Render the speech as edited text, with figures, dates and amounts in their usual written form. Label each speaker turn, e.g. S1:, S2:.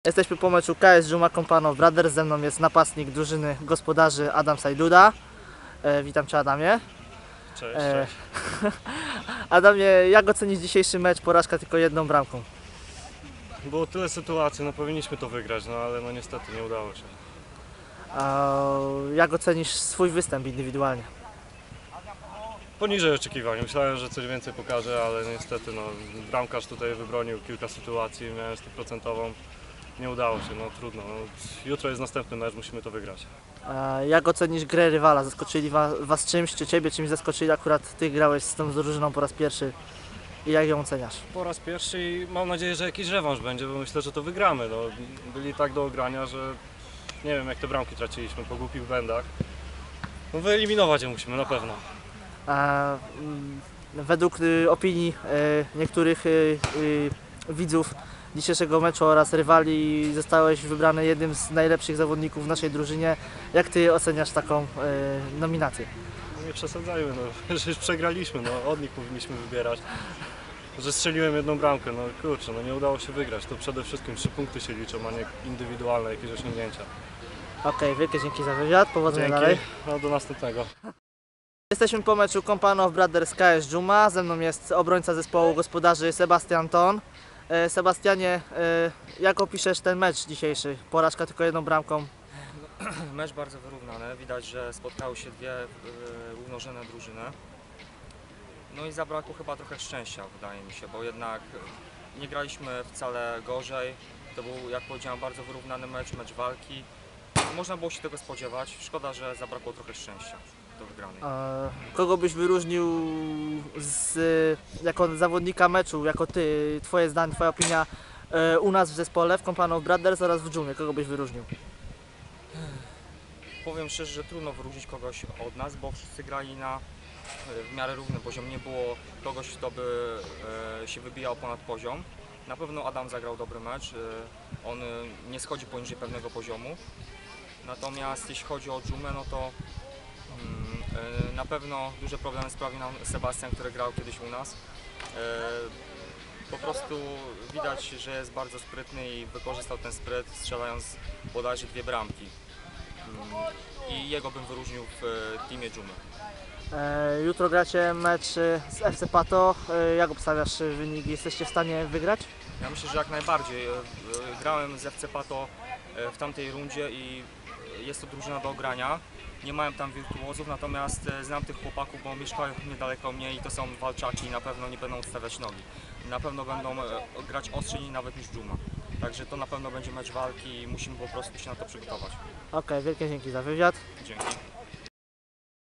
S1: Jesteśmy po meczu KS Dżuma Compano Brothers. Ze mną jest napastnik drużyny gospodarzy Adam Sajduda. Witam Cię, Adamie.
S2: Cześć, cześć.
S1: Adamie, jak ocenisz dzisiejszy mecz? Porażka tylko jedną bramką.
S2: Było tyle sytuacji, no powinniśmy to wygrać, no ale no niestety nie udało się.
S1: Jak ocenisz swój występ indywidualnie?
S2: Poniżej oczekiwań. Myślałem, że coś więcej pokaże, ale niestety no, bramkarz tutaj wybronił kilka sytuacji, miałem 100%. Nie udało się, no trudno. No, jutro jest następny mecz, musimy to wygrać.
S1: Jak ocenisz grę rywala? Zaskoczyli Was czymś, czy Ciebie czymś zaskoczyli? Akurat Ty grałeś z tą drużyną po raz pierwszy i jak ją oceniasz?
S2: Po raz pierwszy i mam nadzieję, że jakiś rewanż będzie, bo myślę, że to wygramy. No, byli tak do ogrania, że nie wiem jak te bramki traciliśmy po głupich błędach. No, wyeliminować je musimy na pewno.
S1: Według opinii niektórych widzów dzisiejszego meczu oraz rywali zostałeś wybrany jednym z najlepszych zawodników w naszej drużynie. Jak Ty oceniasz taką nominację?
S2: No nie przesadzajmy, no, że już przegraliśmy, no, od nich powinniśmy wybierać. Że strzeliłem jedną bramkę, no kurczę, no nie udało się wygrać. To przede wszystkim 3 punkty się liczą, a nie indywidualne jakieś osiągnięcia.
S1: Okej, wielkie dzięki za wywiad, powodzenia
S2: Dzięki,
S1: dalej.
S2: no do następnego.
S1: Jesteśmy po meczu Compano Brothers KS Dżuma. Ze mną jest obrońca zespołu gospodarzy Sebastian Ton. Sebastianie, jak opiszesz ten mecz dzisiejszy? Porażka tylko jedną bramką.
S3: Mecz bardzo wyrównany, widać, że spotkały się dwie równorzędne drużyny. No i zabrakło chyba trochę szczęścia, wydaje mi się, bo jednak nie graliśmy wcale gorzej. To był, jak powiedziałem, bardzo wyrównany mecz walki. Można było się tego spodziewać, szkoda, że zabrakło trochę szczęścia do wygranej.
S1: Kogo byś wyróżnił jako zawodnika meczu, jako Ty, Twoje zdanie, Twoja opinia u nas w zespole, w Compano Brothers oraz w Dżumie? Kogo byś wyróżnił?
S3: Powiem szczerze, że trudno wyróżnić kogoś od nas, bo wszyscy grali na w miarę równym poziomie. Nie było kogoś, kto by się wybijał ponad poziom. Na pewno Adam zagrał dobry mecz. On nie schodzi poniżej pewnego poziomu. Natomiast jeśli chodzi o Dżumę, no to na pewno duże problemy sprawił nam Sebastian, który grał kiedyś u nas. Po prostu widać, że jest bardzo sprytny i wykorzystał ten spryt, strzelając bodajże 2 bramki. I jego bym wyróżnił w teamie Dżumy.
S1: Jutro gracie mecz z FC Pato. Jak obstawiasz wynik? Jesteście w stanie wygrać?
S3: Ja myślę, że jak najbardziej. Grałem z FC Pato w tamtej rundzie i jest to drużyna do ogrania. Nie mają tam wirtuozów, natomiast znam tych chłopaków, bo mieszkają niedaleko mnie i to są walczaci i na pewno nie będą odstawiać nogi. Na pewno będą grać ostrzej nawet niż Dżuma. Także to na pewno będzie mecz walki i musimy po prostu się na to przygotować.
S1: Okej, wielkie dzięki za wywiad.
S3: Dzięki.